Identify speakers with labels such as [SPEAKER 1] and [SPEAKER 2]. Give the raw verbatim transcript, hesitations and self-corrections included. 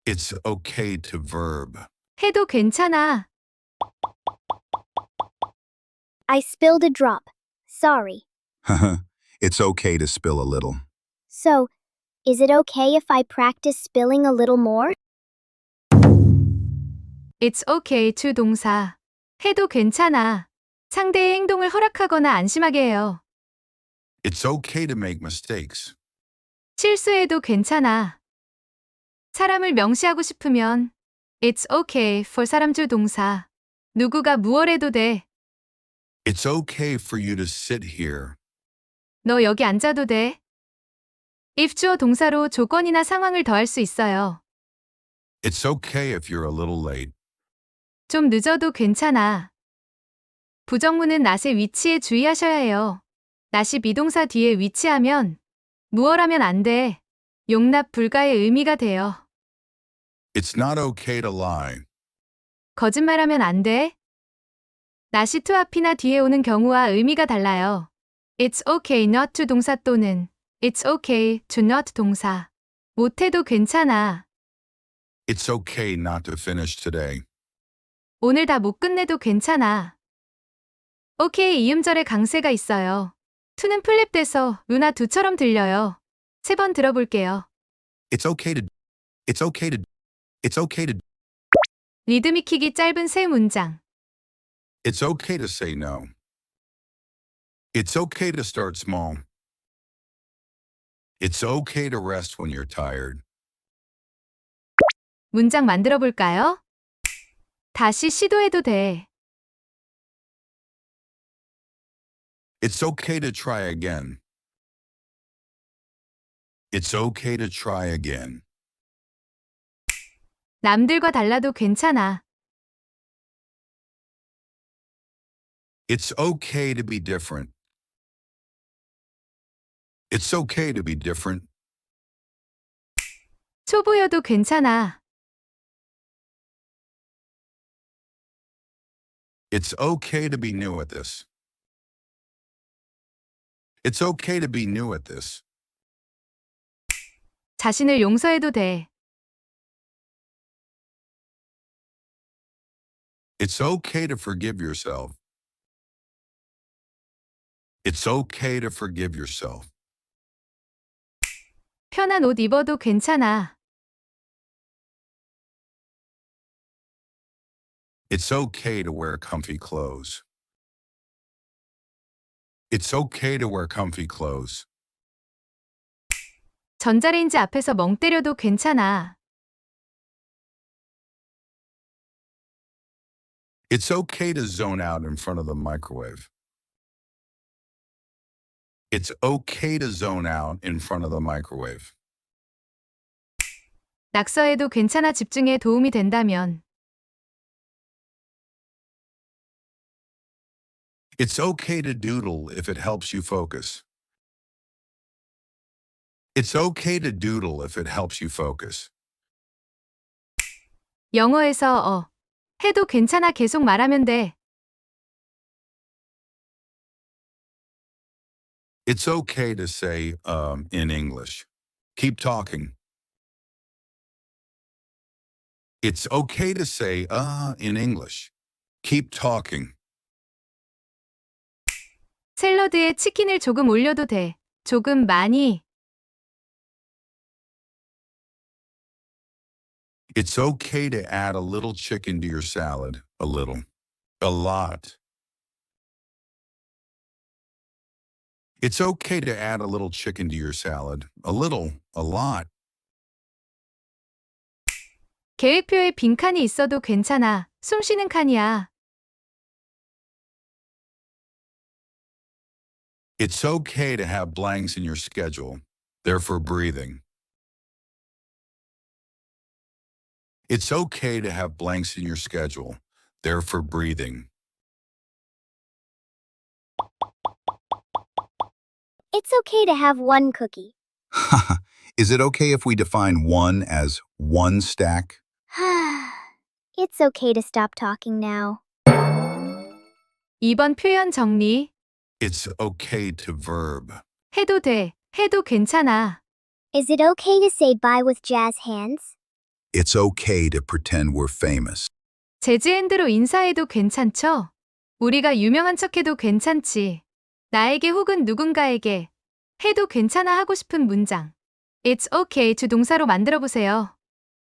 [SPEAKER 1] It's okay to verb.
[SPEAKER 2] 해도 괜찮아.
[SPEAKER 3] I spilled a drop. Sorry.
[SPEAKER 4] It's okay to spill a little.
[SPEAKER 3] So, is it okay if I practice spilling a little more?
[SPEAKER 2] It's okay to 동사. 해도 괜찮아. 상대의 행동을 허락하거나 안심하게 해요.
[SPEAKER 1] It's okay to make mistakes.
[SPEAKER 2] 실수해도 괜찮아. 사람을 명시하고 싶으면 It's okay for 사람 줄 동사. 누구가 무얼 해도 돼.
[SPEAKER 1] It's okay for you to sit here.
[SPEAKER 2] 너 여기 앉아도 돼. if 주어 동사로 조건이나 상황을 더할 수 있어요.
[SPEAKER 1] It's okay if you're a little late.
[SPEAKER 2] 좀 늦어도 괜찮아. 부정문은 낫의 위치에 주의하셔야 해요. 낫이 비동사 뒤에 위치하면 무얼 하면 안 돼. 용납 불가의 의미가 돼요.
[SPEAKER 1] It's not okay to lie.
[SPEAKER 2] 거짓말하면 안 돼. 낫이 to 앞이나 뒤에 오는 경우와 의미가 달라요. It's okay not to 동사 또는 It's okay to not 동사. 못해도 괜찮아.
[SPEAKER 1] It's okay not to finish today.
[SPEAKER 2] 오늘 다 못 끝내도 괜찮아. 오케이 이음절에 강세가 있어요. to는 플립돼서 루나 두처럼 들려요. 세 번 들어볼게요.
[SPEAKER 1] It's okay to. It's okay to. It's okay to.
[SPEAKER 2] 리듬 익히기 짧은 세 문장.
[SPEAKER 1] It's okay to say no. It's okay to start small. It's okay to rest when you're tired.
[SPEAKER 2] 문장 만들어 볼까요? 다시 시도해도 돼.
[SPEAKER 1] It's okay to try again. It's okay to try again.
[SPEAKER 2] 남들과 달라도 괜찮아.
[SPEAKER 1] It's okay to be different. It's okay to be different.
[SPEAKER 2] 초보여도 괜찮아.
[SPEAKER 1] It's okay to be new at this. It's okay to be new at this.
[SPEAKER 2] 자신을 용서해도 돼.
[SPEAKER 1] It's okay to forgive yourself. It's okay to forgive yourself.
[SPEAKER 2] 편한 옷 입어도 괜찮아.
[SPEAKER 1] It's okay to wear comfy clothes. It's okay to wear comfy clothes.
[SPEAKER 2] 전자레인지 앞에서 멍 때려도 괜찮아.
[SPEAKER 1] It's okay to zone out in front of the microwave. It's okay to zone out in front of the microwave.
[SPEAKER 2] 낙서해도 괜찮아 집중에 도움이 된다면.
[SPEAKER 1] It's okay to doodle if it helps you focus. It's okay to doodle if it helps you focus.
[SPEAKER 2] 영어에서 어, 해도 괜찮아 계속 말하면 돼.
[SPEAKER 1] It's okay to say um, in English. Keep talking. It's okay to say uh in English. Keep talking.
[SPEAKER 2] 샐러드에 치킨을 조금 올려도 돼. 조금 많이.
[SPEAKER 1] It's okay to add a little chicken to your salad. A little. A lot. It's okay to add a little chicken to your salad. A little. A lot.
[SPEAKER 2] 계획표에 빈칸이 있어도 괜찮아. 숨 쉬는 칸이야.
[SPEAKER 1] It's okay to have blanks in your schedule. They're for breathing. It's okay to have blanks in your schedule. They're for breathing.
[SPEAKER 3] It's okay to have one cookie.
[SPEAKER 4] Is it okay if we define one as one stack?
[SPEAKER 3] It's okay to stop talking now.
[SPEAKER 2] 이번 표현 정리.
[SPEAKER 1] It's okay to verb.
[SPEAKER 2] 해도 돼. 해도 괜찮아.
[SPEAKER 3] Is it okay to say bye with jazz hands?
[SPEAKER 4] It's okay to pretend we're famous.
[SPEAKER 2] 재즈핸드로 인사해도 괜찮죠? 우리가 유명한 척해도 괜찮지. 나에게 혹은 누군가에게 해도 괜찮아 하고 싶은 문장. It's okay to 동사로 만들어 보세요.